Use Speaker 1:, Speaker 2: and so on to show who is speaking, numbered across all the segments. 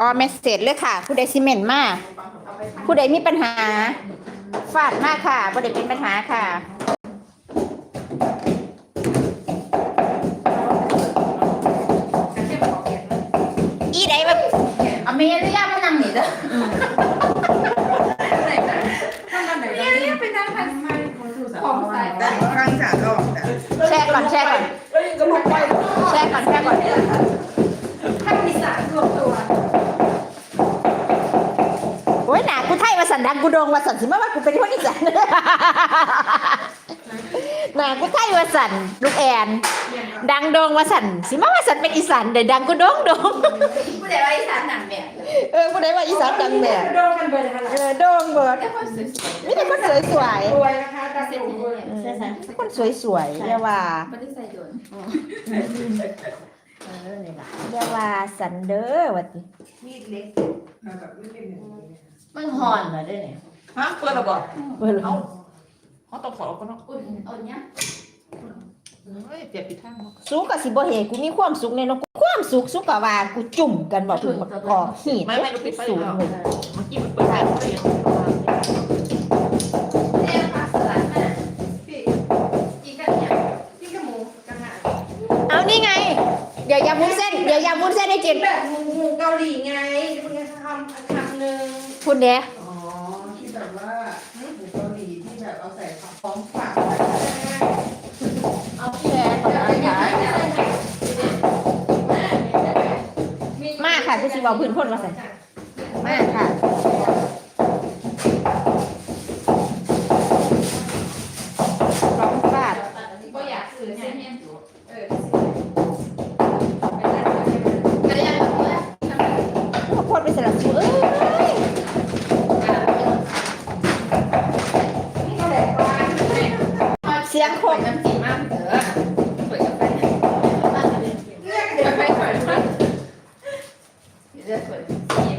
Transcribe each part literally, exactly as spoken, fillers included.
Speaker 1: อ๋อเมสเซจเลยค่ะผู้ใดซีเมนต์มาผู้ใดมีปัญหาฟาดมากค่ะผู้ใดเป็นปัญหาค่ะอีใดแบบ
Speaker 2: อเมริกาพนังหนีเด้อเนี่ยเนี่ยเป็นนางพันของสาย
Speaker 3: ฟังสารออกแต่
Speaker 1: แชร์ก่อนแชร์ก่อน
Speaker 3: เอ้ยก็ลุกไป
Speaker 1: แชร์ก่อนแชร์ก่อน
Speaker 2: ท่านมีสารรวมตัว
Speaker 1: โอ้ยหนากูไทยมาสันดังกูโดงมาสันสิมาว่ากูเป็นคนอีสานหนากูไทยมาสันลูกแอนดังโดงมาสันสิมาว่าสันเป็นอีสานเดี๋ยวดังกูโดงโดง
Speaker 2: ผู้ใดว่าอีสานหนังแบบ
Speaker 1: เออผู้ใดว่าอีสานดังแบบ
Speaker 2: โดนกันเบอร์นะคะ
Speaker 1: เออโดงเบิด
Speaker 2: แต่คนสวย
Speaker 1: มีแต่คนสวยสวย
Speaker 2: รวยนะคะตาเซ็ตที่นี่ใช่ใช่
Speaker 1: ๆคนสวยสวยๆเรียกว่า
Speaker 2: ไม่ได้ใส่โดนเออนี่แหละ
Speaker 1: เรียกว่าสันเดอร์วัดนี้
Speaker 2: มีดเล็ก
Speaker 3: มันห่อนเหรอได้เนี่ยฮะเปิดระบอก
Speaker 1: เปิดแล้ว
Speaker 3: เขาต้องขอเขาต้อง
Speaker 2: อุ่นอุ่นเนี้ย
Speaker 3: เฮ้ยเจ็บปิดข้างเนาะ
Speaker 1: สุกกับสิบ่เฮกูมีความสุขในเนาะกูความสุขสุกกับว่ากูจุ่มกันบ่ถึงกอกหีด
Speaker 3: ไม่ไม่รู้ปิดไฟ
Speaker 1: สูง
Speaker 3: แล้ว
Speaker 1: เลย
Speaker 3: เมื่อกี้มันเปิดไฟเลย
Speaker 2: เรียกภาษาแม่พี่กินกันเนี่ยพี่กับหมูกันหา
Speaker 1: เอานี่ไง เดี๋ยวยำวุ้นเส้นเดี๋ยวยำวุ้นเส้นให้กิน
Speaker 2: แบบหมูหมูเกาหลีไงคุณจะทำคำหนึ่ง
Speaker 1: คุณเด้
Speaker 3: อ๋อที่แบบว่าหมูเกาหลีที่แบบเอาใส่ของฝาก
Speaker 1: เอาแชร์ก่อนนะคะมาค่ะกูสิบอกพื้นพ่นมาใส่มาค่ะร้องฟาด
Speaker 2: ก็อยากซื้อเส้นเนี่ยเออก็ยังแบบว่าทำไม
Speaker 1: ข้าวโพดไปสลับสูเอ้ย
Speaker 2: นี่ก็แบบว่า
Speaker 1: เสียงโคก
Speaker 2: น้ำจิ้มมากเถอะเปิดกับไปเลือกเดี๋ยวไปก่อนนะเลือกเปิดจิ้ม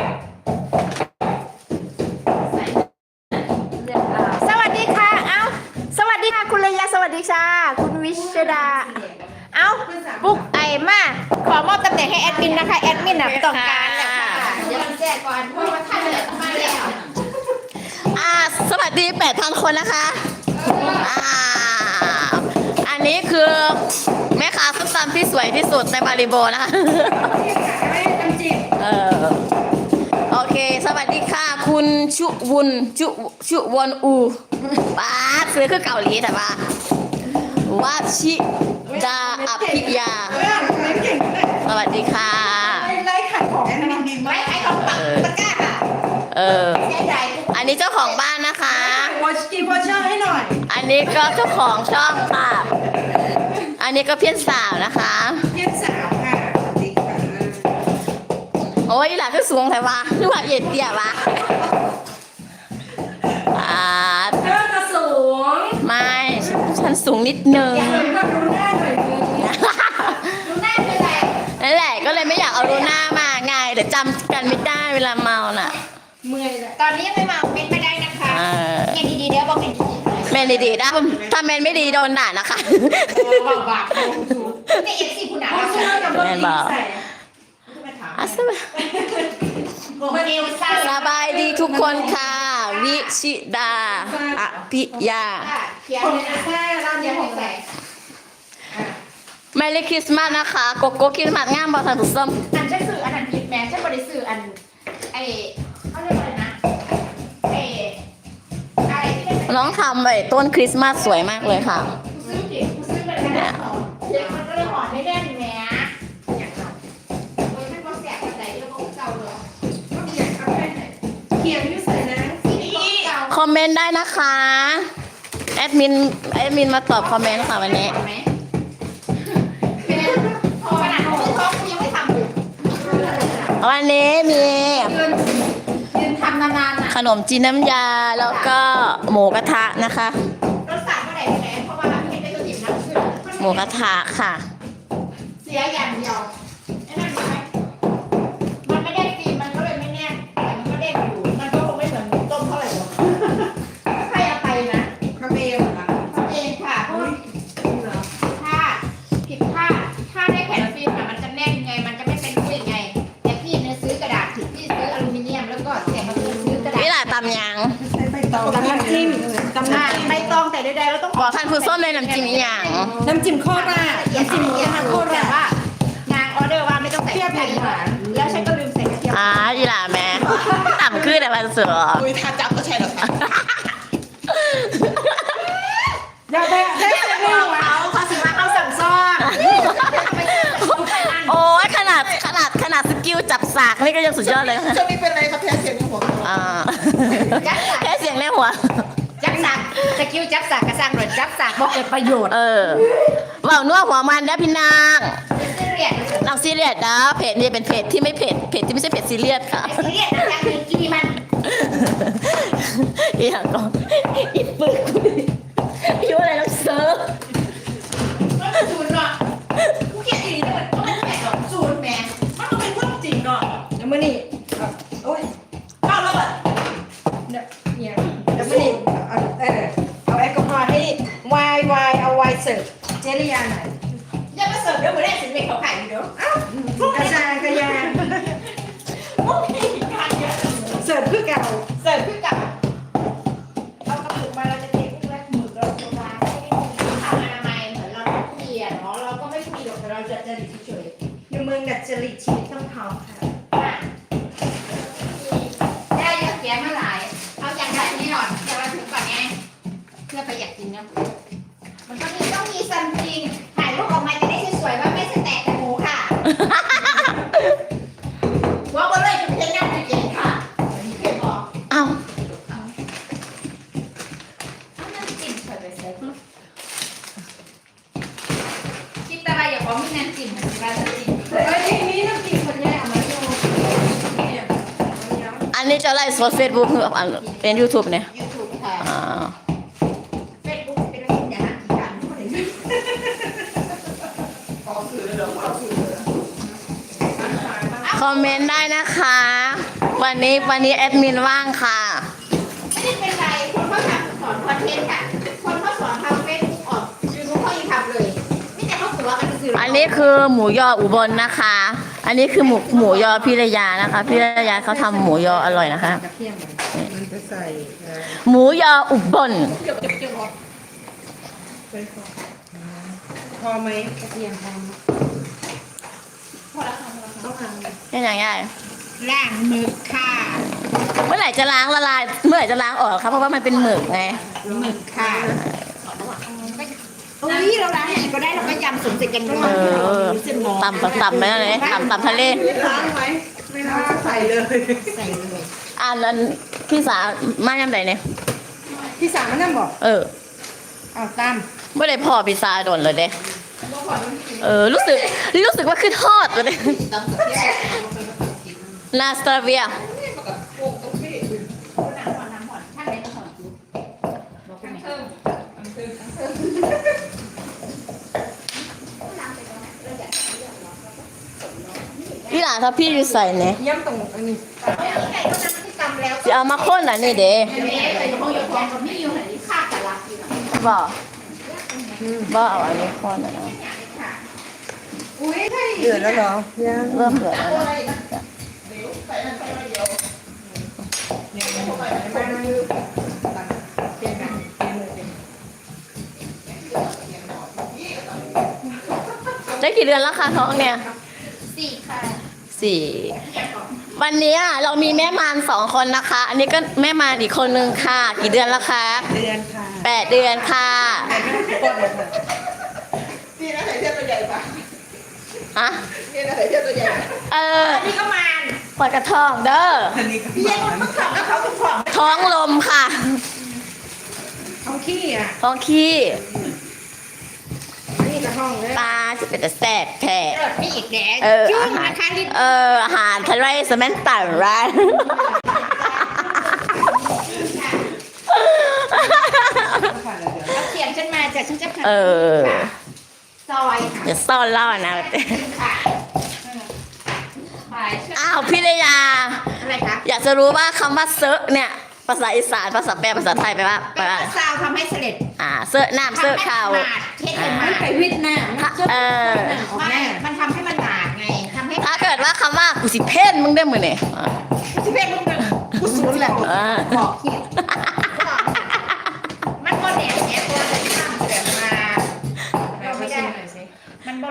Speaker 2: ใส่เลือกอ่า
Speaker 1: สวัสดีค่ะ เอ้า สวัสดีค่ะ คุณระยะสวัสดีค่ะ คุณวิชดา เอ้า ปุ๊กไอมา ขอมอบตำแหน่งให้แอดมินนะคะ แอดมินน่ะต้องการเลยค่ะ
Speaker 2: เดี๋ยวแจกก่อนเพราะว่าท่านเนี่ยมาแล้ว
Speaker 4: อ่าสวัสดีแปดพันคนนะคะอ่าอันนี้คือแม่ค้าส้มตำที่สวยที่สุดในบาริโบนะคะ
Speaker 2: ไม่น้ำจิ้ม
Speaker 4: เออโอเค สวัสดีค่ะ คุณชุวุนชุชุวอนอูป้าดซื้อคือเกาหลีแต่ว่าวาชิดาอภิยา สวัสดีค่ะ
Speaker 2: ไล่ขายของให้มันดีไหมไอ้ของปักตะกร้าค่ะ
Speaker 4: เออ
Speaker 2: แค่ใด
Speaker 4: อันนี้เจ้าของบ้านนะคะ
Speaker 2: วอชกีวอชเชอร์ให้หน่อย
Speaker 4: อันนี้ก็เจ้าของช่องค่ะ อันนี้ก็เพี้ยนสาวนะคะ
Speaker 2: เพี้ยนสาวค่ะดีค่ะ
Speaker 4: โอ้ยหล่ะคือสูงแต่ว่าคือว่าเอ็ดเตี้ยวะอ่า
Speaker 2: เธอจะสูง
Speaker 4: ไม่ฉันสูงนิดนึง
Speaker 2: อยากเลยก็ดูหน้าหน่อยนึงดูหน้าเป็นไร
Speaker 4: นั่นแหละก็เลยไม่อยากเอารูหน้ามาไงเดี๋ยวจำกันไม่ได้เวลาเมาน่ะ
Speaker 2: เมื่อยเลย
Speaker 1: ตอนนี้ยังไม่มาเป็นไม่ได้นะคะ
Speaker 4: เออ
Speaker 1: เงียบดีๆเดี๋ยวบอกเป็น
Speaker 4: แมนดีๆนะถ้าแมนไม่ดีโดนด่านะคะ
Speaker 2: บาบาสูง
Speaker 1: แต่เอฟซีคุณหนา
Speaker 2: เขาเชื่อกับรถดีใส่
Speaker 4: อ่ะสบาย
Speaker 1: คนเอลซ่า
Speaker 4: สบายดีทุกคนค่ะ วิชิดาอภิยา
Speaker 1: เขียน
Speaker 2: ผม
Speaker 1: เลยนะ
Speaker 2: แค่ร้านเดียวของใส่
Speaker 4: แมรี่คริสต์มาสนะคะโกโก้คริสต์มาสงามบอลทางสุดส้ม
Speaker 1: อันฉันสื่ออันนั้นผิดแม้ฉันบริสื่ออันไอเขาเรียกว่าอะไรนะไออะไรที่เป็น
Speaker 4: น้องทำไอ้ต้นคริสต์มาสสวยมากเลยค่ะ
Speaker 1: กูซื้อผิดกูซื้อไปแล้วนะเด็กมันก็เลยหอนไม่แน่นแหมอย่างเราโอ้ยมันก็แสบกระใจแล้วก็เก่าเลย
Speaker 2: ก็เขียนเอาไปไหนเขียนอยู่ใส่นะ
Speaker 1: นี่เก่า
Speaker 4: คอมเมนต์ได้นะคะ แอดมินแอดมินมาตอบคอมเมนต์ค่ะวันนี้
Speaker 1: ไหมเป็นพอขนาดซื้อท้องกูยังไม่ทำเลย
Speaker 4: วันนี้มี
Speaker 1: ยืนยืนทำนานๆน่ะ
Speaker 4: ขนมจีนน้ำยาแล้วก็หมูกระทะนะคะ
Speaker 1: รถสั่งเมื่อไหร่ที่ไหนเพราะว่าเราไม่ได้ตัวจิ๋มนะคือ
Speaker 4: หมูกระทะค่ะ
Speaker 1: เสียอย่างเดียวไอ้นั่นไหมมันไม่ได้ตีมันก็เลยไม่แน่นแต่มันก็เด้งอยู่มันก็คงไม่เหมือนต้มเท่าไหร่หรอกใครเอาไปนะ
Speaker 2: คาเมลเหรอ
Speaker 1: ทำเองค่ะเพราะว่าถ้าผิดพลาดถ้าได้แผ่นฟิล์มอะมันจะแน่นไงมันจะไม่เป็นรุ่ยไงแต่พี่เนี่ยซื้อกระดาษ
Speaker 3: จิ้มตำ
Speaker 1: อ่า
Speaker 3: น้ำจิ้ม
Speaker 1: ใบตองแต่ใดๆเราต้อง
Speaker 4: บอกท่านผู้ส้มเลยน้ำจิ้มอีหยัง
Speaker 3: น้ำจิ้มโคราชน้ำจิ้มหมูกระทะโค
Speaker 1: แต่
Speaker 3: ราช
Speaker 1: ว่านางออเดอร์ว่าไม่ต้องใส่
Speaker 3: เปรี้ยวเผ็ดหวาน
Speaker 1: แล้วฉันก็ลืมใส่กระเทียม
Speaker 4: อ่าอีหล่าแม่ต่ำขึ้นแต่วันเสือ
Speaker 2: อุ้ยถ้าจับก็ใช่หรอคะ
Speaker 3: อย่าไปได้
Speaker 1: ไม่
Speaker 3: แต่
Speaker 1: ได้
Speaker 3: เรื่
Speaker 1: บ
Speaker 3: อ
Speaker 1: อง ก
Speaker 3: หวาน
Speaker 1: เขาเขาสิว่าเขาสั่งซ่อน
Speaker 4: โอ้ยขนาดขนาดขนาดสกิลจับสากนี่ก็ยังสุดยอดเลย
Speaker 2: ช่วงนี้เป็นอะไรครับแพ้เสียงในหัว
Speaker 4: อ่าแค่เสียงในหัว
Speaker 1: จับสักสกิลจับสักกระสังหรือจับสักบอกเกิดประโยชน์
Speaker 4: เออเว่านัวหัวมันนะพี่นาง
Speaker 1: ซีเรียส
Speaker 4: นางซีเรียสนะเพจนี้เป็นเพจที่ไม่เพจเพจที่ไม่ใช่เพจซีเรียสค่ะ
Speaker 1: ซีเรียสนะยังมีกินมัน
Speaker 4: อีหยังก็อีปึกอยู่อะไรน้ำเซิร์ฟ
Speaker 1: มันเป็นศูนย์เนาะกูเกลียดอีนี่มันต้องแปดหรอกศูนย์แม่มันต้องเป็นเรื่องจริงเนาะ
Speaker 3: แล้วมื่อนี่โอ้ย
Speaker 1: เอาแล้วแบบ
Speaker 3: เนี่ยแล้วมื่อนี่เอาเออเอาแอลกอฮอล์ให้วายวายเอาไวน์เสิร์ฟเจริยาหน่อย
Speaker 1: อย่ามาเสิร์ฟเดี๋ยวมือแรกสิเด็กเขาขายอยู่เดี๋ยวเอ้าพวก
Speaker 3: กระ
Speaker 1: นี้
Speaker 3: จายกระยาน
Speaker 1: พวกนี้การเยอะ
Speaker 3: เสิร์ฟคือเก่า
Speaker 1: เสิร์ฟขึ้นกับเอากระปุกมาเราจะเทพวกแรกหมึกเราจะวางให้ได้มีทางอนามัยเหมือนเราเกลียดเนาะเราก็ไม่มีหรอกแต่เราจะจะดิเฉย
Speaker 3: อยู่เมืองดัดจริตชีวิตต้องเขาค่ะ
Speaker 1: ได้เยอะแยะมาหลาย เอาอย่างแบบนี้ก่อนอย่ามาถึงก่อนไงเพื่อประหยัดจริงนะมันก็มีต้องมีซันจริงถ่ายรูปออกมาจะได้สวยๆว่าไม่ใช่แตกแต่หมูค่ะว่าก็เลยจะเป็นยังไงเก่งค่ะเคยบอก
Speaker 4: เอ้า
Speaker 1: เอาน้ำจิ้มเฉยไปเซ็ตคิดอะไรอย่าบอกมีน้ำจิ้มเหมือนกันน้ำจิ้ม
Speaker 3: เอ้ยนี่นี่น้ำจิ้มคนแย่เอามาดูเนี่ย
Speaker 4: อันนี้จะไลฟ์สดเฟซบุ๊กเป็นยูทูบเนี่ย
Speaker 1: ยูทูบค่ะ
Speaker 4: อ่า
Speaker 1: เฟซบุ๊กเป็นเรื่องอย่างนั้นอีกอย่างหนึ่ง
Speaker 2: ออกสื่อเลยเหรอออกสื่อเลย
Speaker 4: คอมเมนต์ได้นะคะ วันนี้วันนี้แอดมินว่างค่ะ
Speaker 1: ไม่ได้เป็นไรคนเขาทำสอนคอนเทนต์ค่ะ คนเขาสอนทำเฟซบุ๊กออกยูทูบเขายังทำเลยนี่แต่เขาหัวกันสื่อ
Speaker 4: อันนี้คือหมูยออุบลนะคะ อันนี้คือหมูหมูยอพิรยานะคะพิรยาเขาทำหมูยออร่อยนะคะ
Speaker 3: กระเทียมมันจะใส่เอ่อ
Speaker 4: หมูยออุบล
Speaker 3: พอไหมกระเทียมพอไหม
Speaker 1: พอแล้วค่ะ
Speaker 3: ต้องท
Speaker 4: นี่อย่างง่าย
Speaker 1: ล้างมือค่ะ
Speaker 4: เมื่อไหร่จะล้างละลาย เมื่อไหร่จะล้างออกครับเพราะว่ามันเป็นหมึกไง
Speaker 1: หมึกค่ะโอ้ยเราล้างอย่างนี้ก็ได้เราก็ยำสมเสร็จกันด้วย
Speaker 4: เออตำตำไปนั่นเลยตำตำทะเล
Speaker 3: ำล้างไหมไม่ล้างใส่เลย
Speaker 1: ใส่เลย
Speaker 4: อันนั้นพี่สาวมาย่ำไหนเนี่ย
Speaker 3: พี่สามมันนั่งบอก
Speaker 4: เออ
Speaker 3: เอาตาม
Speaker 4: ไม่ได้พ่อพี่สาวโดนเลยเด้เออรู้สึกรู้สึกว่าขึ้นทอดเลย นาสตาเวีย
Speaker 1: น้ำผ่อนน้ำผ่อนถ้าไหนก็ผ่อนจุ๊บบอกคุณเพิ่ม
Speaker 4: พี่หลานถ้าพี่อยู่ใส่เนี่ย
Speaker 3: ย่ำตรงอันนี้
Speaker 1: เอาที่ไหนก็น้ำที่ตำแล้ว
Speaker 4: จะเอามาข้นอ่ะนี่เด้
Speaker 1: แม่ใส่กระเพาะยกองกับไม่อยู่ไหนค่าแต่ละอยู่นะ
Speaker 4: บ่บ่เอาอันนี้ข้นอ่ะนะ
Speaker 1: อุ้ยให้
Speaker 3: เดือดแล้วเหรอยัง
Speaker 4: เริ่มเดือดแล้ว
Speaker 1: อะไร
Speaker 4: นะ
Speaker 1: นะ
Speaker 4: ได้กี่เดือนแล้วคะท้องเนี่ย
Speaker 1: สี่ค่ะ
Speaker 4: สี่วันนี้เรามีแม่มารสองคนนะคะ อันนี้ก็แม่มารอีกคนนึงค่ะ กี่เดือนแล้วคะ
Speaker 3: เดือนค่ะ
Speaker 4: แปดเดือนค่ะ
Speaker 3: กดเลยค่ะ
Speaker 2: นี่นะใส่เทียบตัวใหญ่ปะ
Speaker 4: อะ
Speaker 2: นี่นะใส่เทียบตัวใหญ่
Speaker 4: เออ
Speaker 1: อันนี้ก็มัน
Speaker 4: ปวดกระท้องเด้อ
Speaker 3: อันนี้ก็
Speaker 1: พี่ยังคนต้องขับแล้วเขาต้องขับ
Speaker 4: ท้องลมค่ะ
Speaker 3: เอาขี้อ่ะ
Speaker 4: ท้องขี้
Speaker 3: นี่กระห้องเลย
Speaker 4: ปลาจะเป็นแต่แสบแผล
Speaker 1: เกิดไม่อีกแล้ว
Speaker 4: เออ
Speaker 1: จุ้
Speaker 4: อาง หาร
Speaker 1: นะคะลิ้น
Speaker 4: เอออาหารทะเลสแมนตันร้าน
Speaker 3: ผ่านแล้วเดี๋ยว
Speaker 1: เอาเขียนฉันมาจากฉันจะ
Speaker 4: เออ
Speaker 1: ซอยค่ะ
Speaker 4: อย่าซ่อนล่อนะ
Speaker 1: ค่ะไปเชื่อ
Speaker 4: อ้าวพี่เลยา
Speaker 1: อะไรคะ
Speaker 4: อยากจะรู้ว่าคำว่าเซอะเนี่ย ภาษาอีสานภาษาแปลภาษาไทยแปลว่าแป
Speaker 1: แป
Speaker 4: ล
Speaker 1: ล
Speaker 4: ว่า
Speaker 1: ว่าซาวทำให้เสด็จ
Speaker 4: อ่าเซอะน้ำเซอะข้าว
Speaker 1: ทำให้มันหนาดเทศเป็นห
Speaker 3: มัน
Speaker 1: นาด
Speaker 3: ไปวิทย์หน้า
Speaker 4: เออ
Speaker 3: ออกห
Speaker 1: ไม่
Speaker 3: น้า
Speaker 1: มันทำให้มันหนาดไงทำให้
Speaker 4: ถ้าเกิดว่าคำว่ากูสิเพ่นมึงได้มือเนี่ย
Speaker 1: ที่เป็นมึงกูศูนย์แหละ
Speaker 4: อ่า
Speaker 1: บอกเขียน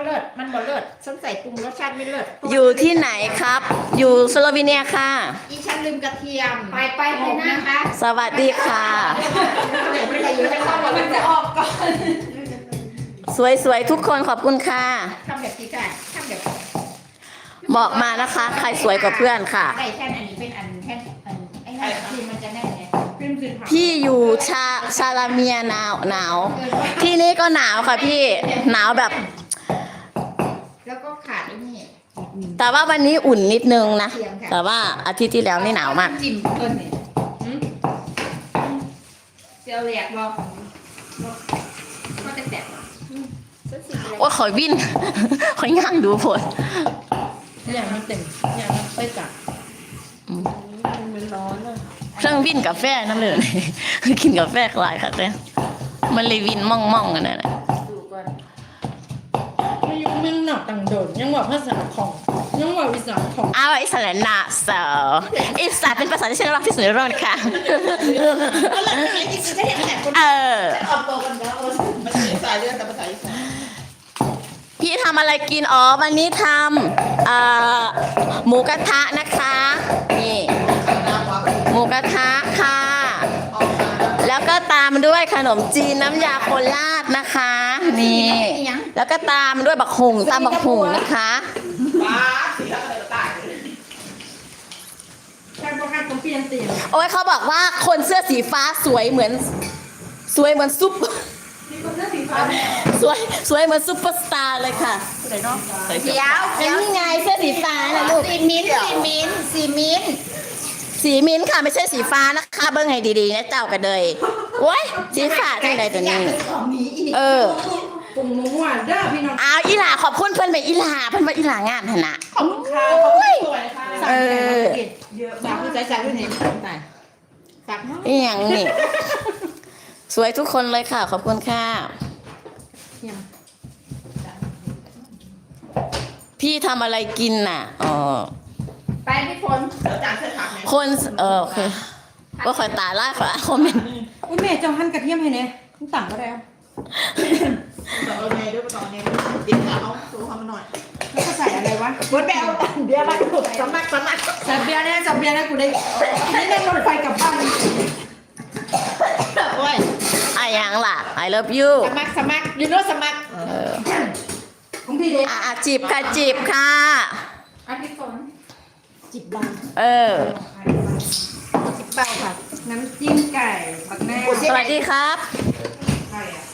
Speaker 1: เลิศมันบ่เลิศฉันใส่ปรุงรสชาติไม่เลิศ
Speaker 4: อยู่ที่ไหนครับ อยู่สโลวีเนียค่ะ
Speaker 1: อีฉันลืมกระเทียม
Speaker 3: ไปไปไปนะคะ
Speaker 4: สวัสดีค่ะ
Speaker 1: ไม่ได้อยู่ในครอบครัว
Speaker 3: มันจะออกก่อน
Speaker 4: สวยๆทุกคนขอบคุณค่ะ
Speaker 1: ทำแบบนี้ค่ะทำแบบ
Speaker 4: บอกมานะคะ ใครสวยกว่าเพื่อนค่ะ
Speaker 1: ไก่แท่นอันนี้เป็นอันแท่นอันไอ้นั่นคือมันจะแน่นไง
Speaker 3: เป็นสินค้า
Speaker 4: พี่อยู่ชาชาลาเมียหนาวหนาว ที่นี่ก็หนาวค่ะพี่หนาวแบบ
Speaker 1: แล้วก็ขาดไอ้นี่
Speaker 4: แต่ว่าวันนี้อุ่นนิดนึงนะ แต่ว่าอาทิตย์ที่แล้วนี่หนาวมาก
Speaker 1: จิ้มเพิ่นนี่หืมเจียวแหลกบอกก็จะแตกสักสิบเลย
Speaker 4: โอ้ยขอยวิน ขอยย่างดูผล
Speaker 3: อย่างมันเต็มอย่างมันไปจับ
Speaker 1: มันร้อนเลย
Speaker 4: เครื่องวินกาแฟนั่นเลย กินกาแฟหลายค่ะแต่มันเลยวินม่องๆกันนั่นแหละ
Speaker 1: ดูก่อน
Speaker 3: ไม่ยุ่งมึงหนักต่างโดดยังว่าภาษาของยังว่าวิสาของ
Speaker 4: อ้าวอิสระนะเซออิสระเป็นภาษาที่ฉันรักที่สุดในโลกนะคะ
Speaker 1: ก็เลยไม่จริงๆจะเห็นแต่คน
Speaker 4: เออ
Speaker 1: ออกตัวกันแล้วเออมันเป็นสายเลือดแต่ภาษาอีสาน
Speaker 4: พี่ทำอะไรกินอ๋อวันนี้ทำเอ่อหมูกระทะนะคะนี่หมูกระทะค่ะ แล้วก็ตามด้วยขนมจีนน้ำยาโคราชนะคะ นี่ แล้วก็ตามด้วยบักหุงตามบักหุงนะคะ
Speaker 1: บ้าสีแล้วก็เลยตาย
Speaker 3: การประกันของเปลี่ยนเตียง
Speaker 4: โอ้ยเขาบอกว่าคนเสื้อสีฟ้าสวยเหมือน สวยเหมือนซุป
Speaker 3: มีคนเลือกสีฟ้า
Speaker 4: สวยสวยเหมือนซุปเปอร์สตาร์เลยค่ะ
Speaker 1: เดี๋ยวเนาะ
Speaker 4: เดี๋ยวเดี๋ยวนี่ไงเสื้อสีฟ้านะลูก
Speaker 1: สีมิ้นท์สีมิ้นท์สีมิ้นท์
Speaker 4: สีมิ้นท์ค่ะไม่ใช่สีฟ้านะคะเบิ้งให้ดีๆนะเจ้ากันเลยโอ้ยสีฟ้าจังใดตัวนี้
Speaker 1: ของนี้อีก
Speaker 4: เออ
Speaker 3: ปุ่มหมูหวานเด้อพี่น้อง
Speaker 4: เอาอีหลาขอบคุณเพื่อนไปอีหลาเพื่อนว่าอีหลางานขนาด
Speaker 1: ขอบคุณค่ะขอบคุณสวยค่ะ
Speaker 4: เออ
Speaker 3: เยอะ
Speaker 1: สามผู้ใจสามผู้นี้ตายสาม
Speaker 4: นี่อย่างนี่ สวยทุกคนเลยค่ะ ขอบคุณค่ะ พี่ทำอะไรกินน่ะอ๋อ
Speaker 1: ไปพี่ฝนเดี๋ยวจานเส้นผักเนี่ย
Speaker 4: คนเออโอเคว่าคอยตาล่าขอคอมเมนต์
Speaker 3: อุ้ยแม่เจ้าหั่นกระเทียมให้เนี่ยมันต่ำก็ได้
Speaker 1: ต่อเนยด้วยต่อเนยเดี๋ยวเขาสูเขามาหน่อย
Speaker 3: แล้วก็ใส่อะไรวะ
Speaker 1: ฝนไปเอาตันเบียร์มาถูกสมัครสมัคร
Speaker 3: ใส่เบียร์เนี่ยใส่เบียร์นะกูได้ไม่ได้รถไฟกลับบ้าน
Speaker 1: โอ้ย
Speaker 4: อะยังล่ะ I love you
Speaker 1: สมัครสมัครยูโน่สมัคร
Speaker 4: เออ
Speaker 3: ของพี่เด็ก
Speaker 4: อ่ะอ่ะจีบค่ะจีบค่ะ
Speaker 1: อ่ะพี่ฝนจิบบัง
Speaker 4: เออ
Speaker 1: จิบเบาค่ะ
Speaker 3: น้ำจิ้มไก่ผักแม่
Speaker 4: สวัสดีครับ
Speaker 3: ไก่อะ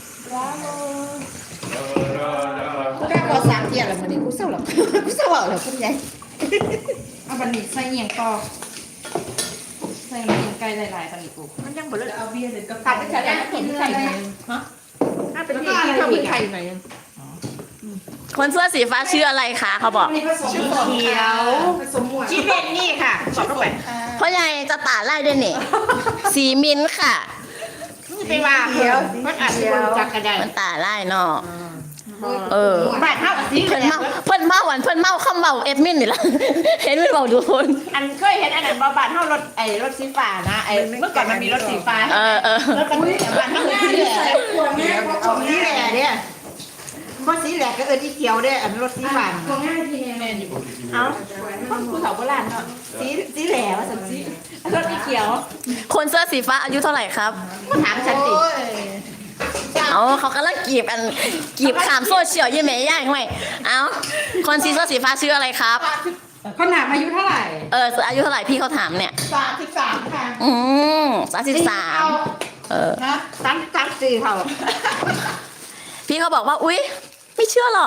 Speaker 1: กูได้พอสามเทียร์แล้วมันนี่กูเศร้าหรอกูเศร้าหรอคุณยาย
Speaker 3: เอาบันนี้ใส่เอียงต่อใส่น้ำจิ้มไก่หลายๆบันนี้กู
Speaker 1: มันยังบ่เลิก
Speaker 3: เอาเบียร์หรือกับ
Speaker 1: ตัดไปใช้แล้วกินไข่ไหนฮะถ้าเป็นที่ที่เขามีไข่ไหน
Speaker 4: คนเสื้อสีฟ้าชื่ออะไรคะเขาบอก
Speaker 3: ผสมเขียวผสมหมวด
Speaker 1: ชิเป็นนี่ค่ะขอเข้าไป
Speaker 4: เพราะยายจะตาไล่ด้วยนี่ สีมิ้นท์ค่ะ
Speaker 1: ไปว่าเดี๋ยวมันอาจจะบนจักกระได
Speaker 4: มันตาไล่เนาะเออ
Speaker 1: บ้านเท่าสี
Speaker 4: เพิ่นเมาเพิ่นเมาหวานเพิ่นเมาข้ามเมาเอ็ดมินนี่ละ เห็นมันเมาดูคน
Speaker 1: อันเคยเห็นอันนั้นบ้านเท่ารถไอ้รถสีฟ้านะไอ้เมื่อก่อนมันมีรถสีฟ้า
Speaker 4: เออเออ
Speaker 1: รถกันบ้านเท่าสีแหล่เอาสีแหล่เนี่ยเพราะสีแหล่ก็เอิญที่เขียวด้วยอันรถสีฟ้า
Speaker 3: ตัวง่ายทีเนี่ยแม่อยู่
Speaker 1: เอาผู้สาวโบราณเนาะสีสีแหล่ว่าสันสีรถสีเขียว
Speaker 4: คนเสื้อสีฟ้าอายุเท่าไหร่ครับ
Speaker 1: ก็ถามฉันดิ
Speaker 4: เอาเขากำลังกีบกันกีบขามโซเชียลยี่เมย์ย่างไหมเอาคนสีเสื้อสีฟ้าชื่ออะไรครับ
Speaker 3: เขาหนามอายุเท่าไหร่
Speaker 4: เอออายุเท่าไหร่พี่เขาถามเนี่ย
Speaker 1: สามสิบสามค่ะ
Speaker 4: อืมสามสิบสามเออ
Speaker 1: นะสามสามสี่เขา
Speaker 4: พี่เขาบอกว่าอุ๊ยไม่เชื่อหรอก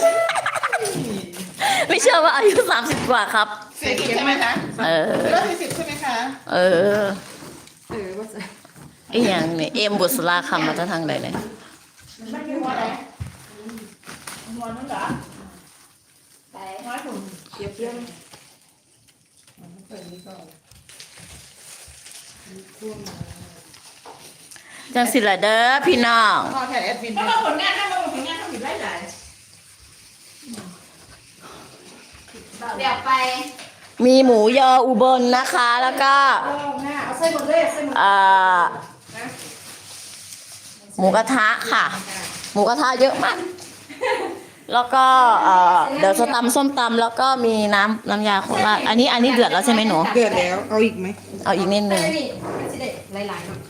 Speaker 4: ไม่เชื่อว่าอายุสามสิบกว่าครับ
Speaker 1: สี่สิบใช่ไหมคะ
Speaker 4: เออ
Speaker 1: รถสี่สิบใช่ไหมคะ
Speaker 4: เออ
Speaker 3: เออว่าจะ
Speaker 4: ไอ้หยังเนี่ยเอ็มบุษราคำมาจะทางใดเลย
Speaker 1: มันคือหัวอะไรหัวนั่นเหรอไปน้อยถุงเกี๊ยวเกี๊ยว
Speaker 4: จังสิละเด้อพี่น้อง
Speaker 1: พอแถวแอดมินถ้ามาผลงานถ้ามาผลงานทำผิดไล่ไหลเดี๋ยวไป
Speaker 4: มีหมูยออุบลนะคะ แล้วก็
Speaker 3: เอาหน้าเอาใส่หมดเลยใส่หมด
Speaker 4: เอ่อหมูกระทะค่ะ หมูกระทะเยอะมากแล้วก็เอ่อเดี๋ยวจะตำส้มตำแล้วก็มีน้ำน้ำยาโคราชอันนี้อันนี้เดือดแล้วใช่ไหมหนู
Speaker 3: เดือดแล้วเอาอีกไหม
Speaker 4: เอาอีกนิดนึง
Speaker 3: นี่มันจะได้หลายๆเนาะ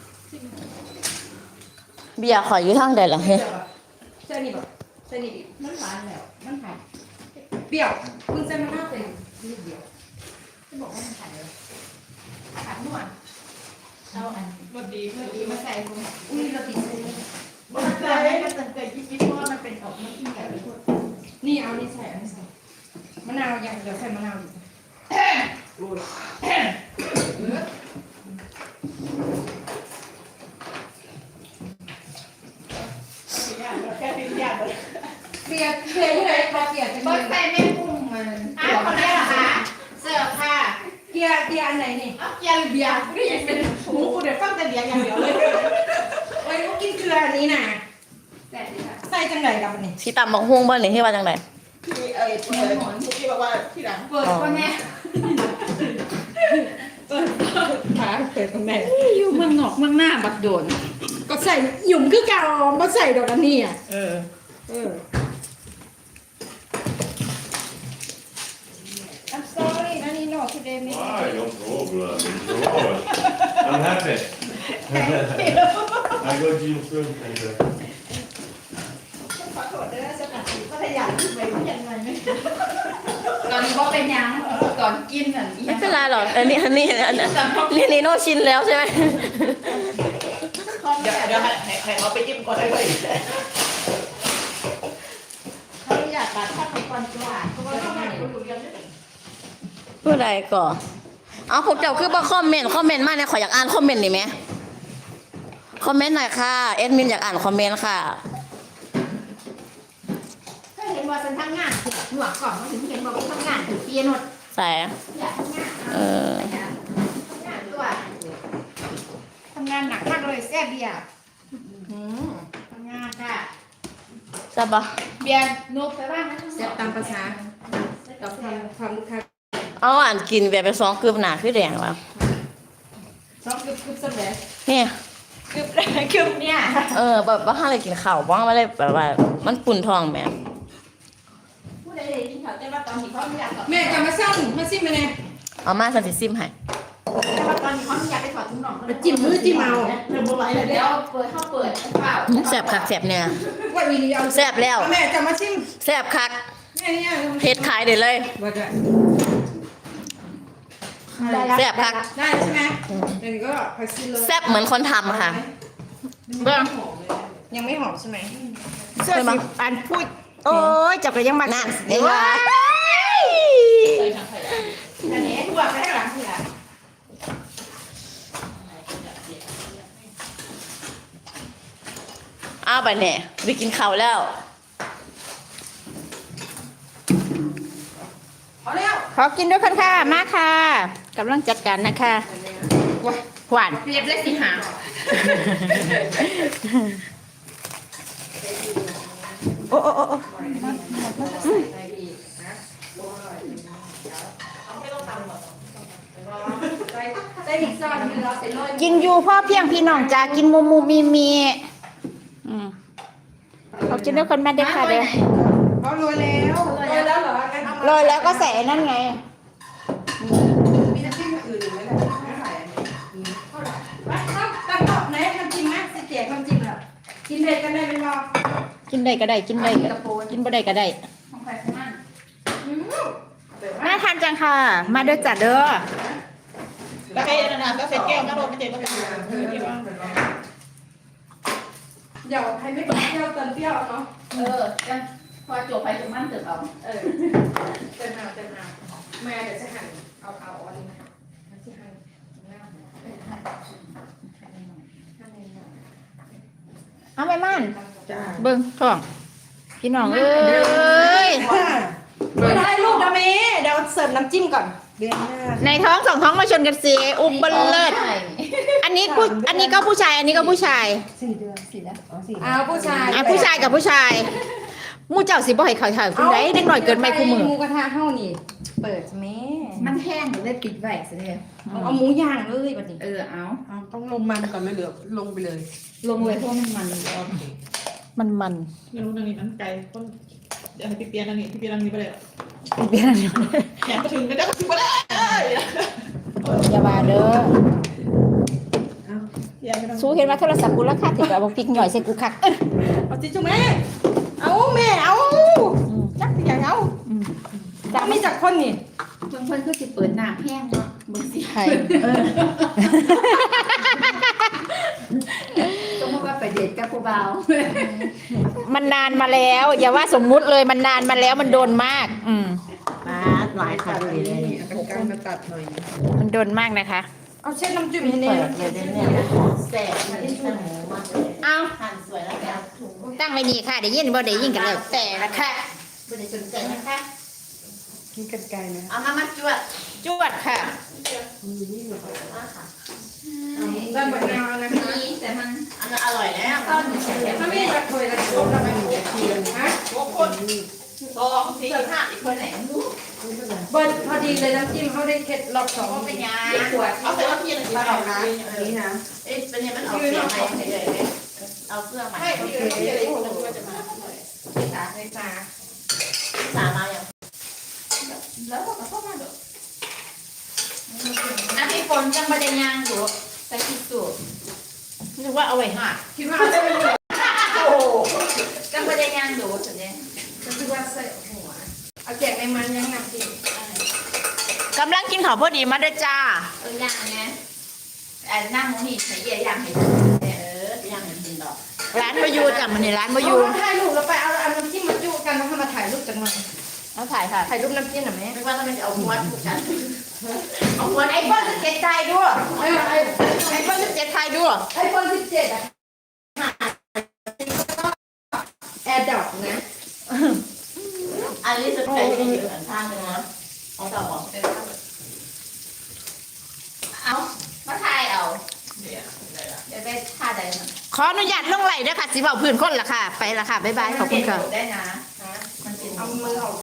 Speaker 4: เบียร์ขออยู่ทางใดล่ะเฮ้ย
Speaker 3: ใช่นี่บ่ใช่นี่ดิ
Speaker 1: มันหวานแล้วมันหาย
Speaker 3: เปรี้ยวคุณใส่มะนาวเป็นนิดเดียว
Speaker 1: จะบอกว่ามันหายเลยขาดนวดเอาอันรสดีรสดีมาใส่ลง
Speaker 3: อุ้ยเราติดเส้น
Speaker 1: มันเกิดได้มันเกิดคิดๆเพราะว่ามันเป็นออกมันกินแบบนี้
Speaker 3: นี่เอานี่ใส่เอานี่ใส่มะนาวยังเดี๋ยวใส่มะนาวอีก
Speaker 1: แค่ปิ้งย่างเลย
Speaker 3: เกลียดเกลียดที่ไหนพอเกลียดจะ
Speaker 1: บ
Speaker 3: มี
Speaker 1: ดใส่แม่กุ้งมันอ้าวคนนี้เหรอคะเสิร์ฟค่ะ
Speaker 3: เกลียดเกลียดอันไหนนี่
Speaker 1: เอาเกียร์เบียร์กูได้ยินเป็นหูกูเดี๋ยวฟังแต่เบียร์อย่างเดียวเลย
Speaker 3: โอ้ยเขากินเกลืออันนี้น่ะ
Speaker 1: แต่ดีค่ะ
Speaker 3: ใส่จังไหนกับมันนี่
Speaker 4: สีตำบักฮุ้งบ้านนี่ที่ว่าจังได
Speaker 1: ที่เอ้ยเปิดหมอนเมื่อกี้บอกว่าที่หลังเปิดก็แม่
Speaker 3: ขาเปิดตรงไหน
Speaker 2: อยู่เมืองนอกเมืองหน้าบัดโดน
Speaker 3: ก็ใส่หยุ่มคือเก่ามาใส่ดอกอันนี้อ่ะ
Speaker 1: เออ
Speaker 3: เออ I'm sorry นั่นนี่ no today ไม่
Speaker 5: Why, no problem. Enjoy. I'm happy. I got you soon. Thank you.
Speaker 1: ขอโทษด้วยสกัดก็ขยันไปยังไงไม่
Speaker 2: ตอนนี้ก็เป็นยังก่อนกินอ่ะ
Speaker 4: ไม่เป็นไรหรอกอันนี้อันนี้อันนี้นี่นีโน่ชินแล้วใช่ไหม
Speaker 1: เดี๋ยวเดี๋ยวให้ให้เขาไปจิ้มก่อนได้เลยเขาอยากตัดข้าวก่อนจ้าเพราะว่าข้าวมันอยู่เรียนได้
Speaker 4: ผู้ใดก่อนเอาพวกเจ้าคือบ่คอมเมนต์คอมเมนต์มาเนี่ยขออยากอ่านคอมเมนต์หน่อยไหมคอมเมนต์หน่อยค่ะเอ็ดมินอยากอ่านคอมเมนต์ค่ะ
Speaker 1: ถ้าเห็นว่าฉันทำงานหนวกก่อนมาถึงเห็นว่าฉันทำงานถึงเปียโนด
Speaker 4: ใส่
Speaker 1: อยากทำงาน
Speaker 4: เออ
Speaker 1: ทำงานตัวทำงานหนักมากเลยแซ่บเบียร์ทำงานค่ะ
Speaker 4: จะปะ
Speaker 1: เบียร์นกไปบ้างนะ
Speaker 3: เสียบตามภาษาเราทำความลูกค้า
Speaker 4: เอาอ่านกินแบบไปสองกึบหนาคือแดงแล้ว
Speaker 3: ซอฟต์กึบกึบสำเร็จ
Speaker 4: เนี่ย
Speaker 1: กึบกึบเนี่ย
Speaker 4: เออแบบว่าห้าอะไรกินข้าวบ้างไม่ได้แบบว่ามันปุ่นทองแหม่
Speaker 1: ผู้ใดๆที่เขาจะมาตอนที่เขาไม่อยาก
Speaker 3: แม่จะมาซ่อมมาซิมมาเนี่ย
Speaker 4: เอามาสันติซิมให้
Speaker 1: แต่ว่าตอนนี้เขาไม่อยากไปถอดถุงหนอง
Speaker 3: จิ้มมือจิ้มเอา
Speaker 1: เดี๋ยวบ่ไหวเลยเดี๋
Speaker 2: เดี๋
Speaker 1: ย
Speaker 2: ยว วเปิดเข้าเปิดเปล่า
Speaker 4: แสบคักแสบเนี่ย
Speaker 3: ว่าวีดีเอา
Speaker 4: แสบแล้ว
Speaker 3: แม่จะมาซิม
Speaker 4: แสบคัก
Speaker 3: แม่เนี่ย
Speaker 4: เฮ็ดขายได้เลย
Speaker 3: ว่าจะ
Speaker 4: แสบคัก
Speaker 3: ได้ใช่ไหมเดี๋ยวก็ไปซื้อเลย
Speaker 4: แสบเหมือนคนทำค่ะเบิ้ง
Speaker 3: ยังไม่หอมใช่ไหม
Speaker 4: เสื้อสี
Speaker 3: อันพูดโอ้ยจับกันยังมา
Speaker 4: นั่นเห็นไหม
Speaker 1: อันนี้ทั่วไปข้างหลังทีละ
Speaker 4: เอาไปเนี่ยไปกินข้าวแล้ว
Speaker 3: เอาแล้ว
Speaker 2: ขอกินด้วยกันค่ะมาค่ะกำลังจัดการนะคะหวาน
Speaker 1: เรียบเลยสิหา
Speaker 2: โอ้โอ้โอ้
Speaker 3: ได้อีกซอนนึงเราเสร็จเลย
Speaker 2: กินอยู่พ่อเพียงพี่น้องจ้ากินมูมูมีมีอืมขอกินด้วยกันแม่เด็กค่ะเด้อ
Speaker 3: เขาโรยแล้วโรยแล้วเหรองั้นเอามา
Speaker 2: โรยแล้วก็ใส่นั่นไง
Speaker 3: มีน้ำจิ้มอื่นอีกไหมล่ะไม่ใส่อันนี้เท่าไหร่ไปต้องตั้งตอบไหนน้ำจิ้มไหมสิเจียกน้ำจิ้มเหรอกินเผ็ดกันได้เป็นรอ
Speaker 2: กินได้ก็ได้กินได้ก็กินบ่ได้ก็ได้
Speaker 1: ของใครของมัน
Speaker 2: น่าทานจังค่ะ มาด้วยจ้ะเด้อ
Speaker 1: แล้วใครนานๆก็เสร็จแก้วก็โดนไม่เจ็บก็เป็น
Speaker 3: เดี๋ยวให้ไม่เปรี้ยวเติมเปรี้ยวเนาะ
Speaker 2: เออจะพอจบไปจบมันเติมเอา
Speaker 3: เออเติมเอาเติมเอาแม่เดี๋ยวจะหั่นเอาเอาอันนี้นะคะจะหั่นหน้าเออหั่นหั่นหน่อยหั่นหน่อย
Speaker 2: เอาไปมัน
Speaker 3: จ้า
Speaker 2: เบิ่งท้องพี่น้องเอ้ย
Speaker 3: ไม่ได้ลูกนะเมย์เดี๋ยวเสิร์ฟน้ำจิ้มก่อนเดือนหน้า
Speaker 2: ในท้องสองท้องมาชนกันสิอุบเลิศอันนี้ผู้อันนี้ก็ผู้ชาย อันนี้ก็ผู้ชาย
Speaker 3: สี่เดือนสี่แล้วอ๋อสี่เอาผู้ชาย
Speaker 2: อ่ะผู้ชายกับผู้ชายหมู่เจ้าสิบ่ให้เขาถ่ายคุณได้เด็กหน่อยเกินไปคู่มือ
Speaker 3: หมูกระทะเท่านี่เปิดแม่
Speaker 2: มันแห้งหรือได้ปิดไว้ซะเด้อ
Speaker 3: เอาเอาหมูย่างเลยบัดนี้
Speaker 2: เออเอา
Speaker 6: เอาต้องลงมันก่อนเลยเหลือลงไปเลย
Speaker 2: ลงเลยเพราะมันมันมันมัน
Speaker 1: ไม่รู้ตรงนี้มันไกลต้นจะให้พี่เปียนั่งนี่พี่เปียนั่งนี่ไปเลย
Speaker 4: เปลี่ยนอะไร
Speaker 1: แขนมาถึงก็ได้ก็ถึงไปได้
Speaker 4: อย่ามาเด้อ
Speaker 1: อย่าไม่ต้อง
Speaker 4: สู้เห็นว่าโทรศัพท์กูราคาถึงแบบพริกหน่อยใส่กูคักเอ้ย
Speaker 3: เอาจิจุแม่เอาแม่เอาจักอย่างเอา
Speaker 4: จ้า
Speaker 3: มี
Speaker 4: ไม่
Speaker 3: จักคนนี่
Speaker 2: บางคนก็จะเปิดน้ำแห้งเนาะบางที
Speaker 4: ใช่
Speaker 2: ต้องบอกว่าไปเดทกับผู้เบา
Speaker 4: มันนานมาแล้ว อย่าว่าสมมุติเลยมันนานมาแล้วมันโดนมาก อืมมาหลายค่ะ
Speaker 6: เอากางมาตัดหน่อย
Speaker 4: มันโดนมากนะคะ
Speaker 3: เอาเส้นน้ำจิ้มให้แน่
Speaker 4: เปิดเลยเนี่ย
Speaker 1: แสบมันที่สมองมากเลย
Speaker 4: เอา
Speaker 1: หั่นสวยแล้วแกถุง
Speaker 4: ตั้งไว้นี่ค่ะเดี๋ยวยินบ่เดี๋ยวยินกันแล้วแต่ละค่ะ
Speaker 1: ไม่ได้สนใจนะคะ
Speaker 6: กินกันไกลไหม
Speaker 1: เอามามาจวด
Speaker 4: จวดค่ะ
Speaker 1: มาค่ะ
Speaker 3: ได้บะนาวนะคะ
Speaker 2: นี่แต่มัน
Speaker 1: อันนั้นอร่อยแล้ว
Speaker 2: ต้นเฉย
Speaker 3: ถ้าไม่จักถ้วยละครบแล้วมันฮะ
Speaker 1: โอ้คนสองสี่ห้าอีกคนไหนรู้
Speaker 3: เบิร์ดพอดีเลยน้ำจิ้มเขาได้เคล็ดรอบสอง
Speaker 1: ก็เป็นยา
Speaker 3: ขวด
Speaker 1: เอาแต่ว่าพี่ยังกินต่อนะ
Speaker 6: นี่นะ
Speaker 1: เอ๊ะเป็นยังมันเอาเสื้อใหม่เลยเอาเสื้อใหม่ให้พี่เลยพี่เลยคนละจะมาสาในสาสามาอย่างแล้วก็เข้ามาเด้อ
Speaker 2: อันที่ฝนจังบะเดยางอยู่ใส่ที่สุด
Speaker 1: นึกว่าเอาไว้ห่า
Speaker 3: คิดว่าจะเป็น
Speaker 1: โอ้
Speaker 2: จังบะเดยางอยู่สุดเนี่ย
Speaker 3: จะคิดว่าใส่หัวเอาแจกในมันยังน้ำจิ้ม
Speaker 4: กำลังกินข้าวพอดีมาเด้อจ้า
Speaker 2: เออย่างไงอันนั่งมองนี่ใส่เยี่ยย่างเห็น
Speaker 1: เออยังเห็นกินดอก
Speaker 4: ร้านบายูจ้ะมันนี่ร้านบายู
Speaker 3: ถ่ายรูปแล้วไปเอาเอาน้ำจิ้มมาจุกันแล้วให้มาถ่ายรูปจังหน่อย
Speaker 4: เอาถ่ายค่ะ
Speaker 3: ถ่ายรูปน้ำจิ้มหน่อยไหม
Speaker 1: ไม่ว่าต้องไปเอาม้วนผูกกัน
Speaker 4: เอาคนไอโฟนสิบเจ็ดไทยด้วย
Speaker 3: ไอ้ไอ้
Speaker 4: ไอโฟนสิบเจ็ดไทยด้วย
Speaker 3: ไอ้คนสิบเจ็ดอะแอร์ดอกนะ
Speaker 1: อันนี้จะใช้ที่อยู่ข้างนึงนะของต่อของเป็น
Speaker 2: เอามาถ่ายเอา
Speaker 1: เดี๋ยว
Speaker 2: เดี๋ยวได้ท่าใดมัน
Speaker 4: ขออนุญาตลงไหลด้วยค่ะสิเบาพื้นคนละค่ะ ไปละค่ะ บ๊ายบาย ขอบคุณค่ะ
Speaker 1: ได้นะมันเป็น
Speaker 3: เอามือออก